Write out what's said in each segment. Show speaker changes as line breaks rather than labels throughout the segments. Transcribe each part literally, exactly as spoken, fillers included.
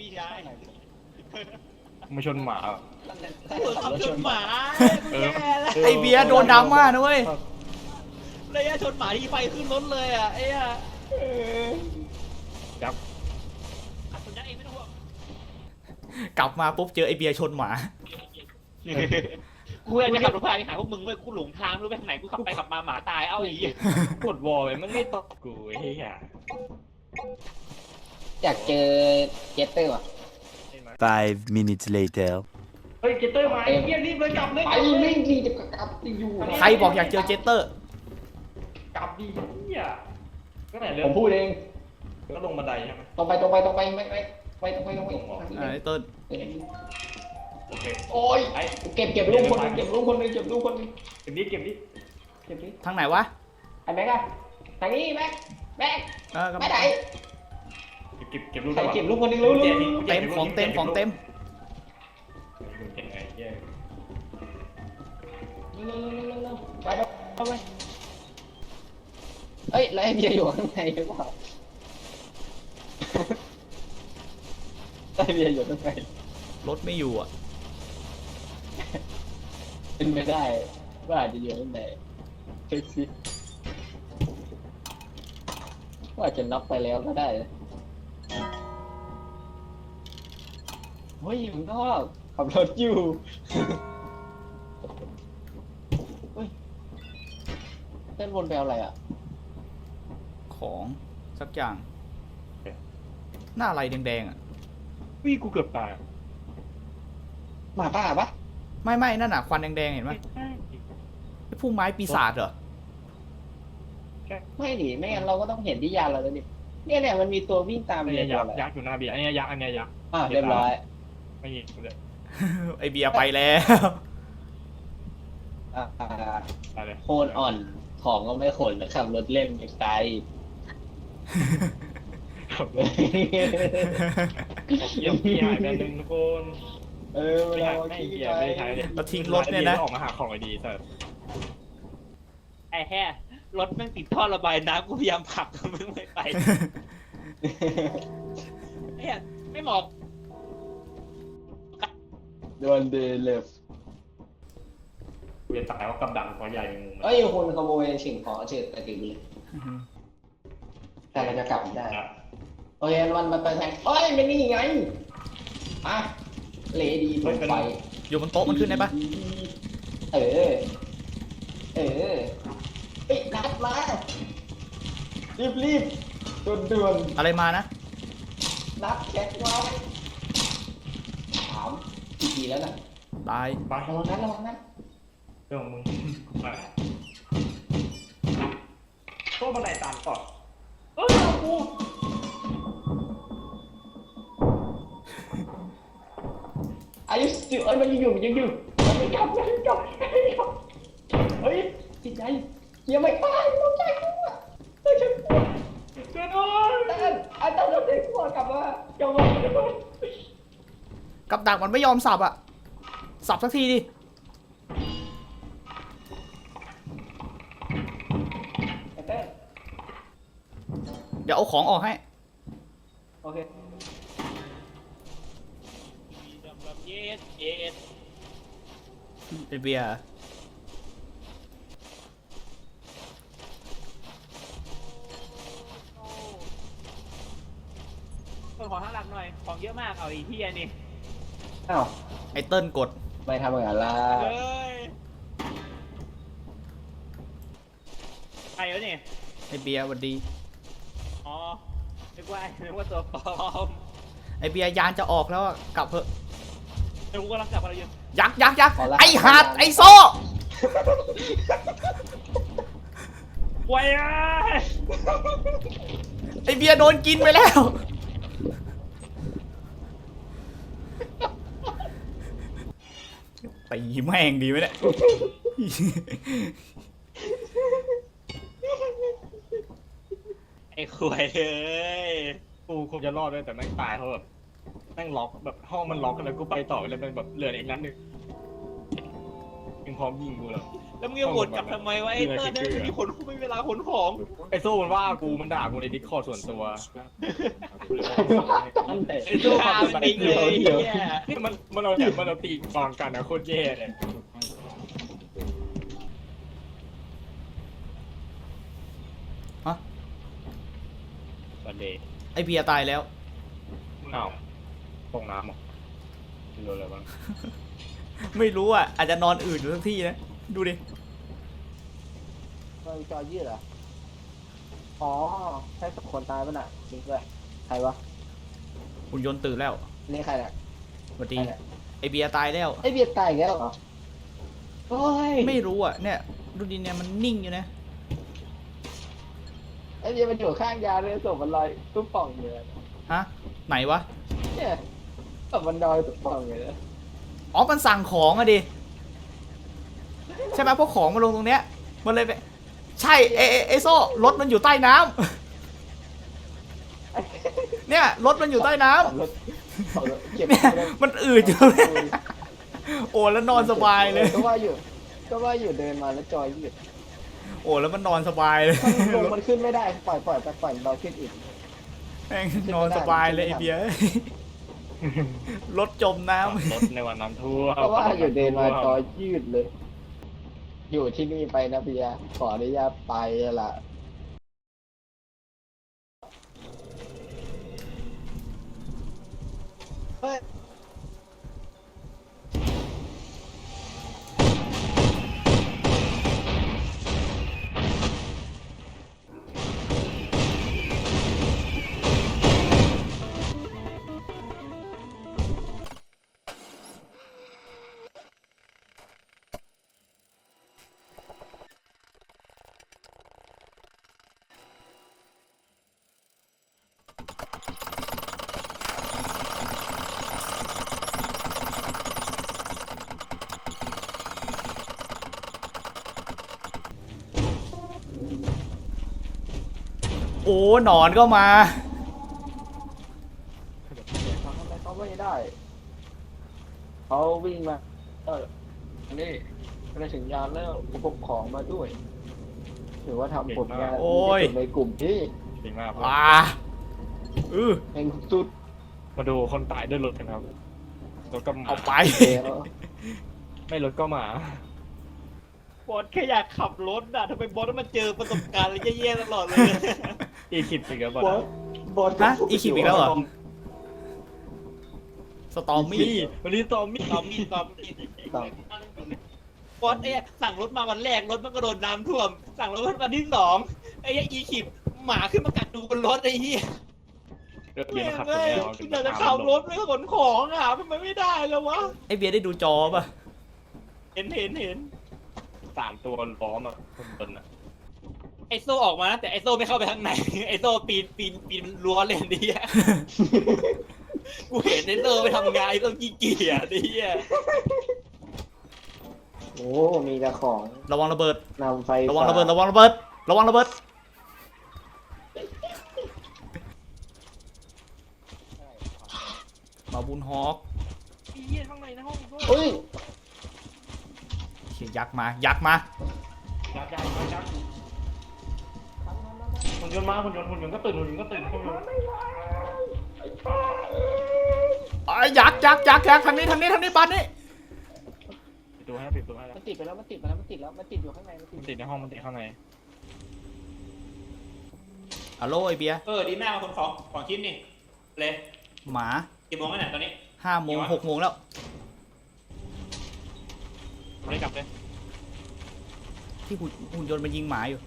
พี่ชาย
มาชนหมา
กูขับชนหมากูแย่แล้ว
ไอเบียร์โดนดราม่านะเว้ย
เลยชนหมาที่ไฟขึ้นรถเลยอ่ะไอ้อะ
จับ
คนยักษ์เองไม่ต้องห่วง
กลับมาปุ๊บเจอไอเบียร์ชนหมา
กูอยากจะขับรถพาไปหาพวกมึงเว้ยกูหลงทางไม่รู้ไปทางไหนกูขับไปขับมาหมาตายเอ้าไอ้เหี้ย
กดวอลไปมันไม่ตอบกูไอ้เหี้ย
อยากเจอเจสเตอร์ว่ะ
Five minutes later.
เฮ้ยเกตเตอร์มาไอ้เหี้ยรีบเลยกลับเลย
ไปไม่ดีจะกลับจะอยู่
ใครบอกอยากเจอเจสเตอร์
กลับดีเหี้ยก็ไหนเรื่
ผ
อง
มพูดเอง
ก็ลงบันไดใช่ไหม
ตรงไปตรงไปตรงไปไม่ไม่ไปตรงไปตรงไป
อ่าไอเติ้ล
โอเค
โอ้ย
ไอ้
เก็บเก็บลูกคนนึงเก็บลูกคนนึงเก็บลูกคนนึง
เก็บนี้เก็บนี้
เก็บดิ
ทางไหนวะ
ไอ้แม็กอะทางนี้แม็กแม็ก
เออ
ไม่ไหน
เก็บเก็บลูก
ใครเก็บลูกคนนึงรู้รู้
เต็มของเต็มของเต็ม
เก็บไงเหี้ย
ไปไปไปเอ้ยแล้วไอเบียร์อยู่ข้างในหรือเปล่าไอเบียร์อยู่ข้างใน
รถไม่อยู่อ่ะ
เป็นไม่ได้ว่าอาจจะอยู่ข้างในเช็คซิว่าจะน็อกไปแล้วก็ได้นะเฮ้ยมึงก็ขับรถอยู่เฮ้ยเต้นวนไปเอาอะไรอ่ะ
ของสักอย่าง หน้าอะไรแดงๆอ่ะ
วิ่งกูเกือบตาย
หมาป่าปะ
ไม่ไม่นั่นน่ะควันแดงๆเห็นไหมไอพุ่มไม้ปีศาจเหรอ
ไม่ดิไม่งั้นเราก็ต้องเห็นที่ยานเราแล้วดิเนี่ยเนี่ยมันมีตัววิ่งตาม
อัน
เรี
นี้
ย
ยั
ตัวอะไร
กษ์ยักษ์อยู่หน้าเบียร์อันนี้ยักษ์อันนี้ยักษ์
อ่ะเรียบร้อย
ไม่เห็นกูเลย
ไอเบียร์ไปแล้ว
อ่า
ไปเลย
โคนอ่อนของก็ไม่ขนขับรถเล่นไกล
ขับรถเยี่ยมพี่หายไปหนึ่งทุกคน
เออ
ไม่
เรา
หายไม่
ขี้
เกีย
ไป
ไม่ใช้เลย
แล้วทิ้งรถเนี่ยนะ
ออกมาหาของไอดีเสร็จ
ไอ้แห่รถแม่งติดท่อระบายน้ำกูพยายามผลักมึงไม่ไปไอ้เหี้ยไม่เหมาะ
โดนเดลฟ
เวียนตายว่ากับดังตัวใหญ่งู
เอ้ยคนขโมยสิ่งของเฉยไปถึงเลยแต่เราจะกลับได้โอเคมันมันไปแทงเอ้ยมันนี่ไงอ่ะเลดีลงไป
อยู่บนโต๊ะมันขึ้นได้ปะ
เออเออเอ้ยนัดมารีบรีบด่วนด่วน
อะไรมานะ
นัดแจ็คไว้ถามกี่ทีแล้วน่ะ
ตาย
ไประ
วังนั้นระวังนั้น
เรื่องของมึงมาตัวบันไดตามก่อนเอ้ยกู
อายุสิเอ้ยมันยังอยู่มันยังอยู่มันไม่กลับมันไม่กลับมันไม่กลับเฮ้ยจิตใจยังไม่ตายต้องใจกูอ่ะเฮ้ยฉันกลัว
เกินอ้อย
แต่อันต้องเด็กกลัวกลับมากลับมา
กับดักมันไม่ยอมสับอ่ะ สับสักทีดิ
เต้น
เดี๋ยวเอาของออกให้
โอเค
เย็ดเย็ด
ไอเบียร์
คนขอข้างหลังหน่อยของเยอะมากเอาไอ้เหี้ยนี่
อ้าว
ไอเติ้ลกด
ไม่ทำอย่างนั้นล่ะ
เฮ้ยใครวะเนี่ย
ไอเบียร์สวัสดี
อ๋อนึกว่านึกว่าตัวปลอม
ไอเบียร์ยานจะออกแล้วอะกลับเถอะ
นึกว่ากำลังกลับมาอยู่
ยักษ์ยักษ์ยักษ์ไอหาดไอโซ่
ไว้อะ
ไอเบียร์โดนกินไปแล้วตีแม่งดีไหมเนี่ย
ไอ้ขวยเอ้ย
กูคงจะรอดด้วยแต่แม่งตายเพราะแบบแม่งล็อกแบบห้องมันล็อกกันแล้วกูไปต่อแล้วมันแบบเหลืออีกนัดหนึ่งมึงพร้อมยิงกูแล้ว
แล้วมึงจะโหวตกลับทำไมวะไอ้เตอร์เนี่ยไม่มีคนไม่มีเวลาขนของ
ไอ้โซ่มันว่ากูมันด่ากูในดิสคอร์ดส่วนตัว
นั่นแต่
ไอ้สู้ฆ่ามันดิ้งเลยเฮีย
นี่มันมันเอาแบบมันเอาตีกองกันนะโคตรแย่เลย
บันเดย์
ไอเบียร์ตายแล้ว
อ้าวตกน้ำเหรอโดนอะไรบ้าง
ไม่รู้อ่ะ อาจจะนอนอื่นอยู่สักที่นะ ดูดิ
มันจอยืดเหรออ๋อใช่สองคนตายป่ะน่ะจริงด้วยใครวะ
หุ่นยนต์ตื่นแล้ว
นี่ใครเนี่ย
สวัสดี
ใครเนี่ย
ไอเบียร์ตายแล้ว
ไอเบียร์ตายอีกแล้วเหรอโอ้ย
ไม่รู้อ่ะ เนี่ย ดูดิเนี่ยมันนิ่งอยู่นะ
ไอเบียร์มันอยู่ข้างยาเลยศพมันลอยตุ๊บป่องอยู่เลย
ฮะ ไหนวะ
เนี่ยศพมันลอยตุ๊บป่องอยู่เลย
อ๋อ มันสั่งของอะดิ ใช่ไหมพวกของมาลงตรงเนี้ย มันเลยไป ใช่ไอไอ้ไอโซ่รถมันอยู่ใต้น้ำ เนี่ยรถมันอยู่ใต้น้ำ
ขับรถขับรถเก็บ
เนี่ยมันอืดอยู่เลยโอ้แล้วนอนสบายเลย
ก็ว่าอยู่ก็ว่าอยู่เดินมาแล้วจอยยืด
โอ้แล้วมันนอนสบายเลย
มันลงมันขึ้นไม่ได้ปล่อยปล่อยไปปล่อยเราขึ้นอีก
แม่งนอนสบายเลยไอเบียร์รถจมน้
รถในวันน้ำท่วม
ก็ว่าอยู่เดินมาจอยยืดเลย อยู่ที่นี่ไปนะเบียร์ขออนุญาตไปละ เฮ้ย
ำโอ้หนอนก็มา
ทำอะไรเขาไม่ได้เขาวิ่งมาเออนี่มาถึงยานแล้วผมพกของมาด้วยถือว่าทำผลงาน
โอ้ย
ที่สุดในกลุ่มที่
จริงมาก
อ่าอือ
แห่งสุด
มาดูคนตายด้วยรถกันครับรถก็หมา
เอาไป
แล้ว
ไม่รถก็หมา
บอสแค่อยากขับรถอ่ะทำไมบอสต้องมาเจอประสบการณ์อะไรแย่ๆตลอดเลย
อีคิดสิครับ
บอสบอส
ฮะอีคิปอีกแล้วเหรอ สตอมมี่
มี่วันนี้ตอมมี่
ตอมมีตอมมีบอสเอ้ยสั่งรถมาวันแรกรถมันก็โดนน้ำท่วม สั่งรถวันที่สองไอ้เหี้ยอีขิบหมาขึ้นมากัดดูบนรถไอ้เหี้ย
เดี๋ยว
เฮ้ย
มาขับ
เอ้ย
ตัว
อยากจะขับรถไม่ขนของอ่ะทำไมไม่ได้แล้ววะ
ไอเบียร์ได้ดูจอป่ะ
เห็นเห็นเห็น
สามตัวล้อมอ่ะคนบนอ่ะ
ไอโซ่ออกมานะแต่ไอโซ่ไม่เข้าไปข้างใน ไอโซ่ปีนปีนปีนรั้วเลยดิ กูเห็นไอโซ่ไปทำงานไอโซ่ขี้เกียจดิ
โอ้มีแต่ของ
ระวังระเบิด
นำไฟ
ระวังระเบิด ระวังระเบิด ระวังระเบิด มาบุญฮอก
ไอ้เหี้ยข้างในนะห้องโซ่
เฮ้ย
เขียยักษ์มา ยักษ์มา
ยักษ์ยักษ์ยักษ์หุ่นยนต์มาหุ่นยนต์หุ่นยนต์ก็ตื่นหุ่นยนต์ก็ตื่นหุ่นยนต์
ไอ้ยยักษ์ยักษ์ยักษ์ยักษ์ทางนี้ทางนี้ทางนี้บ้านนี้
ปิดตัวให้ปิดตัวให้แล้ว
มันติดไปแล้วมันติดไปแล้วมันติดแล้วมันติดอยู่ข้างในมันติด
มันติดในห้องมันติดข้างใน
ฮัลโหลไอเบียร์
เออดีมากมาคนของของชิ้นนี่เลย
หมา
กี่โมงแล้วเนี่ยตอนนี้
ห้าโมงหกโมงแล้ว
ไม่ได้กลับเลย
ที่หุ่นหุ่นยนต์มันยิงหมาอยู่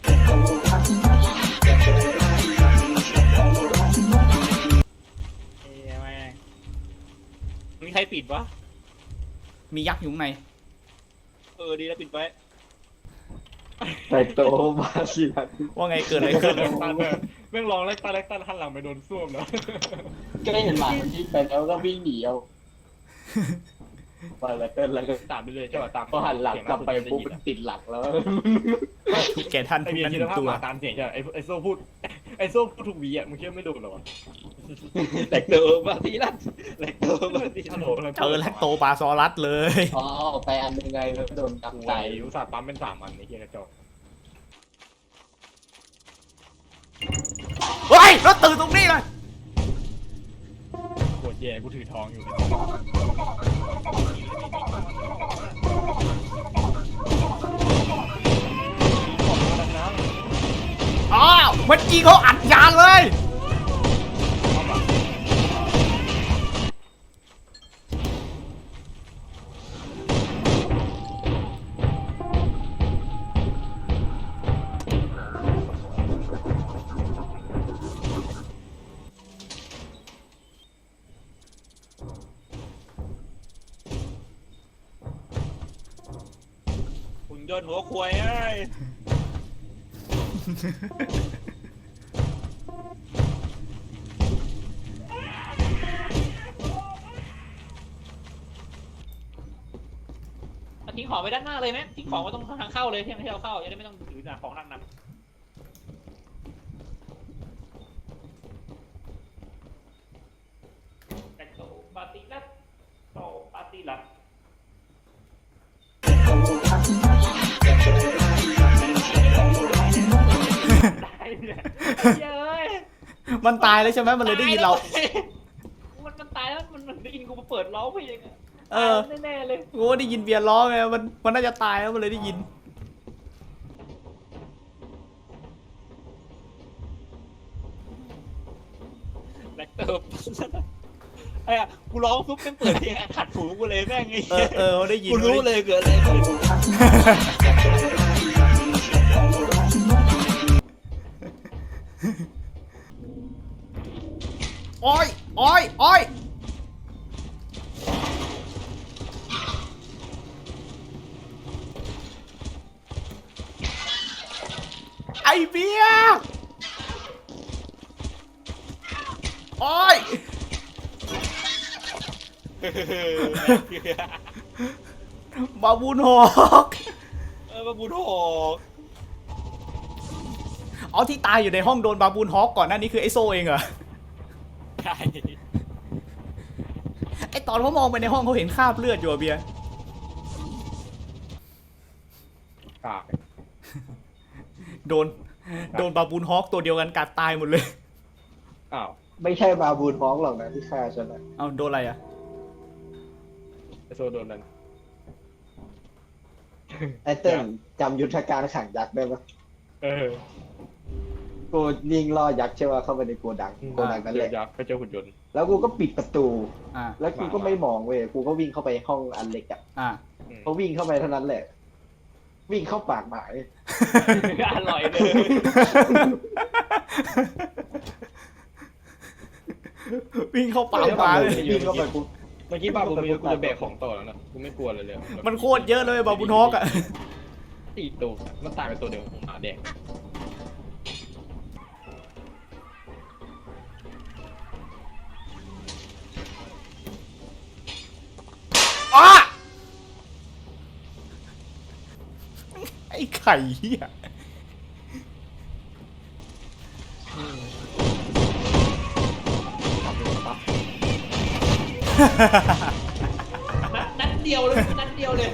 เอ้ยไม่มีใครปิดวะ
มียักษ์อยู่ข้างใน
เออดีแล้วปิดไว้
ใส่โตมาสิครับ
ว่าไงเกิดอะไรขึ้น
เล็กตันเลยแม่งลองเล็กตันเล็กตันหันหลังไปโดนส้วมแล้ว
ก็ได้เห็นหมามันยิงไปแล้วก็วิ่งหนีเอาไปแล้วเต้นแล้วก็
ตามไปเลยใช่ป่ะตาม
พอหันหลังกลับไปปุ๊บมันติดหลักแล้ว
แกท่าน
ไอ
ทุก
เบีย
นั้น
ร์
ห
คิด
นึ่ง
ภาพ
ตัว
หมาตามเสียงใช่ไหมไอไอโซ่พูดไอโซ่พูดถูกวีอ่ะมึงคิดว่าไม่โดนหรอวะ
แหลกเตอร์มาทีละแหลกเต
ฮัลโหลอะไร
เจอแลคโตปลาซอรัสเลย
อ๋อไปอันยังไงแล้วโดนกำ
ไก่
ไก่
อุตส่าห์ปั๊มเป็นสามอันไอ้เหี้ยกระจอก
เฮ้ยรถตื่นตรงนี้เลย
ปวดแย่กูถือทองอยู่
อ้าวเมื่อกี้เขาอัดยานเลย
หุ่นยนต์หัวควายเอ้ยเอาทิ้งของไปด้านหน้าเลยไหมทิ้งของไว้ตรงทางเข้าเลยที่ให้เราเข้าจะได้ไม่ต้องถือหนักของหนักๆแต่โตปาติลัดโตปาติลัดตายเลยเย้ย
มันตายแล้วใช่ไหมมันเลยได้ยินเรา
มันมันตายแล้วมันมันได้ยินกูมาเปิดร้องเพลงอะ
เออ
ตายแน่ๆเลย
กูก็ได้ยินเบียร์ร้องไงมันมันน่าจะตายแล้วมันเลยได้ยิน
แบล็คเติร์ไอ้อะกูร้องปุ๊บเป็นเปิดเพลงขัดหูกูเลยแม่งไง
เออเออได้ยิน
กูรู้เลยเกิดอะไรขึ้น
โอ้ยโอ้ยโอ้ยไอเบียร์โอ้ยบาบูนหอก
เออมาบูโถ
อ๋อที่ตายอยู่ในห้องโดนบาบูนฮอกก่อนหน้านี้คือไอโซเองเหรอ
ใช่
ไอตอนเขามองไปในห้องเขาเห็นคราบเลือดอยู่อะเบียร์
กาก
โดนโดนบาบูนฮอกตัวเดียวกันกัดตายหมดเลย
อ้าว
ไม่ใช่บาบูนฮ้องหรอกนะที่ฆ่าฉันนะ
เอาโดนอะไรอะ
ไอโซโดนนั้น
ไอ้เติ้ลจำยุทธการขังยักษ์ได้ปะ
เออ
กูยิงล่อยักษ์ใช่ป่ะเข้าไปในโกดังโกดังนั่น
เจ
แห
อ
ละ
ยักษ์ไปเจอหุ่นยนต์
แล้วกูก็ปิดประตู
อ่า
แล้วกูก็ไม่มองเว้ยกูก็วิ่งเข้าไปห้องอันเล็กอ่ะ
อ่า
อืม
พอวิ่งเข้าไปเท่านั้นแหละ วิ่งเข้าปากหมาย
อร่อยเลย
วิ่งเข้าป่ามาเลย
วิ่งเข้าไปกู
เมื่อกี้บ้ากูไม่กูจะแบกของต่อแล้วนะกูไม่กลัวเลยเลย
มันโคตรเยอะเลยบาบูนฮอกอะ
สี่ตัวมันตายไปตัวเดียวของหมาแดง
อ้าไอ้ไข่เหี้ย
นัดนัดเดียวเลยนัดเดียวเลย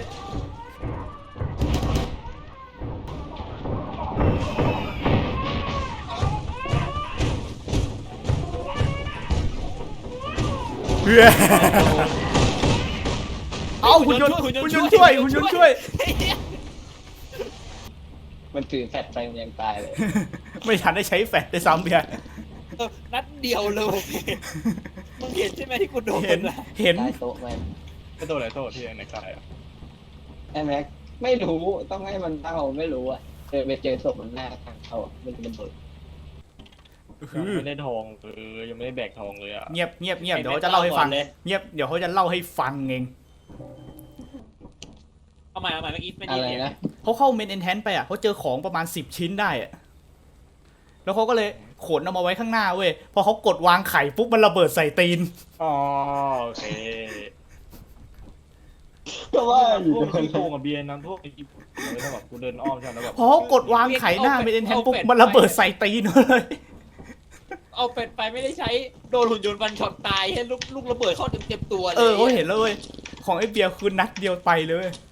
เฮ้ยเอาหุ่นยนต์หุ่นยนต์ช่วยหุ่นยนต์ช่วย
มันถือแฟลชไปมันยังตายเลย
ไม่ทันได้ใช้แฟลชได้วยซ้ำเบียร์
เออนัดเดียวเลยมึงเห็นใช่ไหมที่กูโดน
เห็น
อะ
เห็น
ใต้โต๊ะมัน
ไอตัวอะไรโทษที่ไหนกายอ่ะ
ไอ้แม็กไม่รู้ต้องให้มันเล่าไม่รู้อ่ะเจอไปเจอศพมันหน้าทางเขาอะมันเป็นเบิด
ยังไม่ได้ทองเออยังไม่ได้แบกทองเลยอ่ะ
เงียบเงียบเงียบเดี๋ยวเขาจะเล่าให้ฟังเงียบเดี๋ยวเขาจะเล่าให้ฟังเอง
เอาใหม่เอาใหม่เมื่อกี้ไม่
อะ
ได้
ไร
เห็น
นะ
เขาเข้าเมนเอนแทนไปอ่ะเขาเจอของประมาณสิบชิ้นได้อ่ะแล้วเขาก็เลยขนเอามาไว้ข้างหน้าเว้ยพอเขากดวางไข่ปุ๊บมันระเบิดใส่ตีน
อ๋อโอเค
ก็ว่าอ
พ
ยู่
วกที่โกงกับเบียร์น้ำท่วมไอ้กิ๊บเลยถ้าแบบกูเดินอ้อมใช่ไหมแล้วแบบ
พอเขากดวางไข่หน้าเมนเอนแทนปุ๊บมันระเบิดใส่ตีนเลย
เอาเป็ดไปไม่ได้ใช้โดนหุ่นยนต์ฟันช็อตตายให้ลูกลูกระเบิดเข้าเต็มเต็มตัวเลย
เออเขาเห็นแล้วเว้ยของไอ้เบียร์คือนัดเดียวไปเลยเว้ย